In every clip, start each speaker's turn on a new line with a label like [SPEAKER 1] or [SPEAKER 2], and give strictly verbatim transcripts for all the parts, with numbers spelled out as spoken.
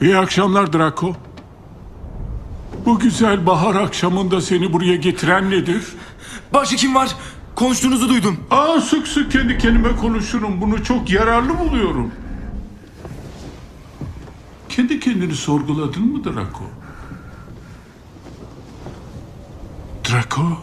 [SPEAKER 1] İyi akşamlar Draco. Bu güzel bahar akşamında seni buraya getiren nedir?
[SPEAKER 2] Başka kim var? Konuştuğunuzu duydum.
[SPEAKER 1] Aa, sık sık kendi kendime konuşurum. Bunu çok yararlı buluyorum. Kendi kendini sorguladın mı Draco? Draco,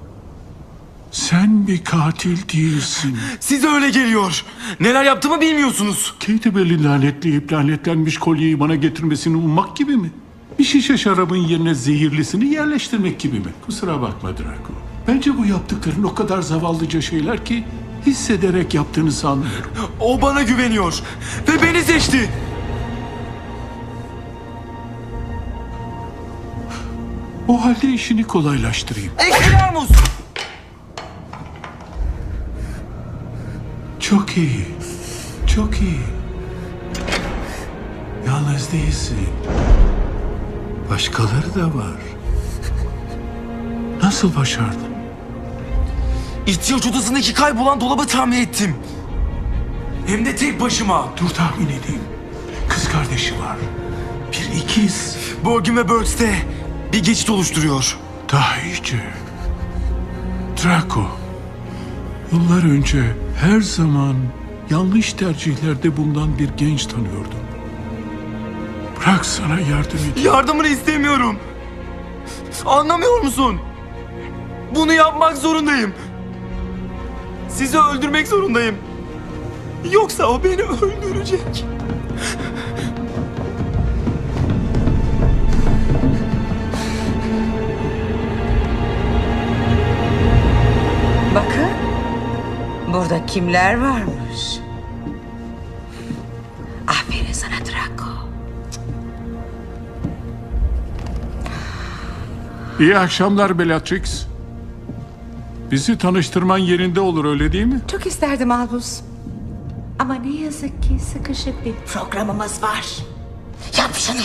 [SPEAKER 1] sen bir katil değilsin.
[SPEAKER 2] Size öyle geliyor. Neler yaptığımı bilmiyorsunuz.
[SPEAKER 1] Kate Bell'in lanetleyip lanetlenmiş kolyeyi bana getirmesini ummak gibi mi? Bir şişe şarabın yerine zehirlisini yerleştirmek gibi mi? Kusura bakma Draco. Bence bu yaptıkların o kadar zavallıca şeyler ki hissederek yaptığını sanmıyorum.
[SPEAKER 2] O bana güveniyor. Ve beni seçti.
[SPEAKER 1] O halde işini kolaylaştırayım.
[SPEAKER 2] Ekstremos.
[SPEAKER 1] Çok iyi. Çok iyi. Yalnız değilsin. Başkaları da var. Nasıl başardın?
[SPEAKER 2] İhtiyaç odasındaki kaybolan dolabı tamir ettim. Hem de tek başıma.
[SPEAKER 1] Dur tahmin edeyim. Kız kardeşi var. Bir ikiz.
[SPEAKER 2] Borgin ve Burks'te bir geçit oluşturuyor.
[SPEAKER 1] Daha iyice. Draco. Yıllar önce her zaman yanlış tercihlerde bulunan bir genç tanıyordum. Bırak sana yardım edeyim.
[SPEAKER 2] Yardımını istemiyorum. Anlamıyor musun? Bunu yapmak zorundayım. Sizi öldürmek zorundayım. Yoksa o beni öldürecek.
[SPEAKER 3] Bakın, burada kimler varmış? Aferin sana Draco.
[SPEAKER 1] İyi akşamlar Bellatrix. Bizi tanıştırman yerinde olur, öyle değil mi?
[SPEAKER 3] Çok isterdim Albus. Ama ne yazık ki sıkışık bir programımız var. Yap şunu.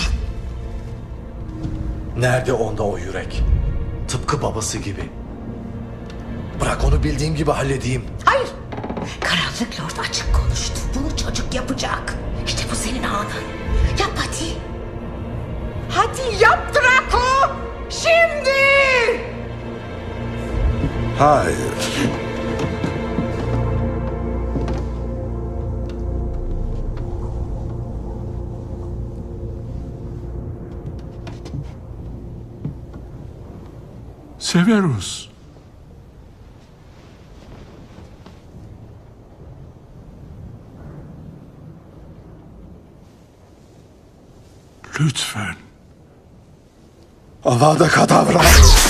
[SPEAKER 4] Nerede onda o yürek? Tıpkı babası gibi. Bırak onu bildiğim gibi halledeyim.
[SPEAKER 3] Hayır. Karanlık Lord açık konuştu. Bunu çocuk yapacak. İşte bu senin anın. Yap hadi. Hadi yap Draco. Şimdi.
[SPEAKER 4] Hayır.
[SPEAKER 1] Severus. Lütfen.
[SPEAKER 4] Avada Kedavra.